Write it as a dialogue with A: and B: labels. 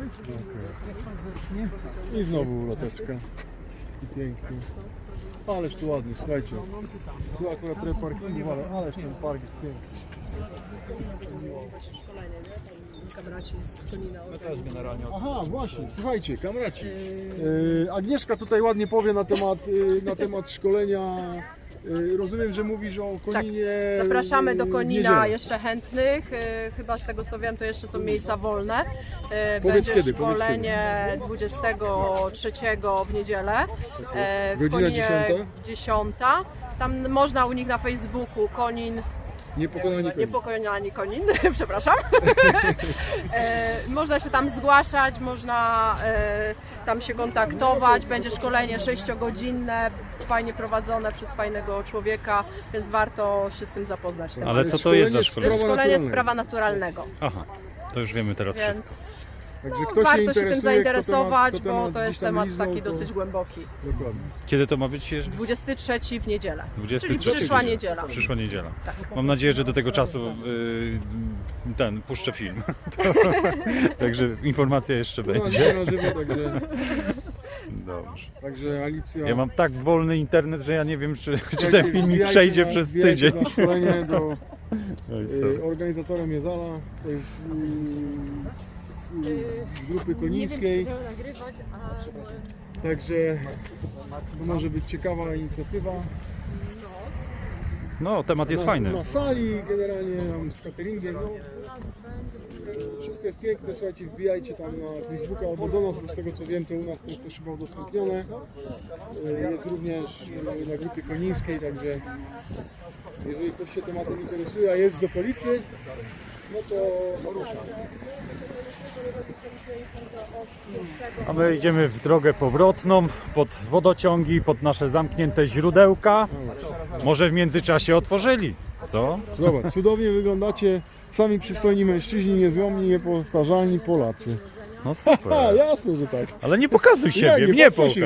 A: I znowu uloteczka. I pięknie. Ależ tu ładnie, słuchajcie. Tu akurat trochę parkingu, ależ ten park jest piękny.
B: Kamraci z Konina.
A: Aha, właśnie, słuchajcie, kamraci. Agnieszka tutaj ładnie powie na temat szkolenia. Rozumiem, że mówisz o Koninie.
B: Tak, zapraszamy do
A: w
B: Konina
A: niedzielę.
B: jeszcze chętnych. Chyba z tego co wiem, to jeszcze są miejsca wolne.
A: Powiedz
B: Będzie
A: kiedy,
B: szkolenie 23 w niedzielę. W
A: Godzina
B: Koninie
A: 10:00?
B: 10. Tam można u nich na Facebooku Konin.
A: Niepokonani
B: Konin, przepraszam. Można się tam zgłaszać, można tam się kontaktować. Będzie szkolenie 6-godzinne, fajnie prowadzone przez fajnego człowieka, więc warto się z tym zapoznać.
C: Ale co to jest za
B: To
C: szkolenie?
B: jest szkolenie z prawa naturalnego,
C: Aha, to już wiemy teraz
B: więc
C: wszystko.
A: Także kto
B: warto się
A: interesuje,
B: tym zainteresować,
A: kto
B: bo
A: temat
B: to jest
A: gdzieś tam
B: temat
A: liznął,
B: taki
A: to-
B: dosyć głęboki.
A: Dokładnie.
C: Kiedy to ma być?
B: 23 w niedzielę,
C: 23
B: czyli przyszła niedziela.
C: Przyszła niedziela. Mam nadzieję, że do tego czasu puszczę film. Także informacja jeszcze będzie.
A: Na żywo,
C: Dobrze.
A: także Alicja.
C: Ja mam tak wolny internet, że ja nie wiem, czy
A: Słuchajcie,
C: ten filmik
A: wbijajcie
C: przejdzie
A: na-
C: przez
A: wbijajcie
C: tydzień.
A: Na szkolenie do
C: No i co?
A: organizatorem jest Ala, to jest z grupy konińskiej. Także to może być ciekawa inicjatywa.
C: No, temat jest fajny.
A: Na sali generalnie tam z cateringiem. No, wszystko jest piękne, słuchajcie, wbijajcie tam na Facebooka albo do nas, bo z tego co wiem to u nas to jest też chyba udostępnione. Jest również na grupie konińskiej, także jeżeli ktoś się tematem interesuje, a jest z okolicy, no to rusza.
C: A my idziemy w drogę powrotną, pod wodociągi, pod nasze zamknięte źródełka. Może w międzyczasie otworzyli, co?
A: Zobacz, cudownie wyglądacie, sami przystojni mężczyźni, niezłomni, niepowtarzalni Polacy.
C: No
A: Ha,
C: super.
A: jasne, że tak.
C: Ale nie pokazuj
A: Jak
C: siebie,
A: nie,
C: mnie
A: po co się
C: pokaż.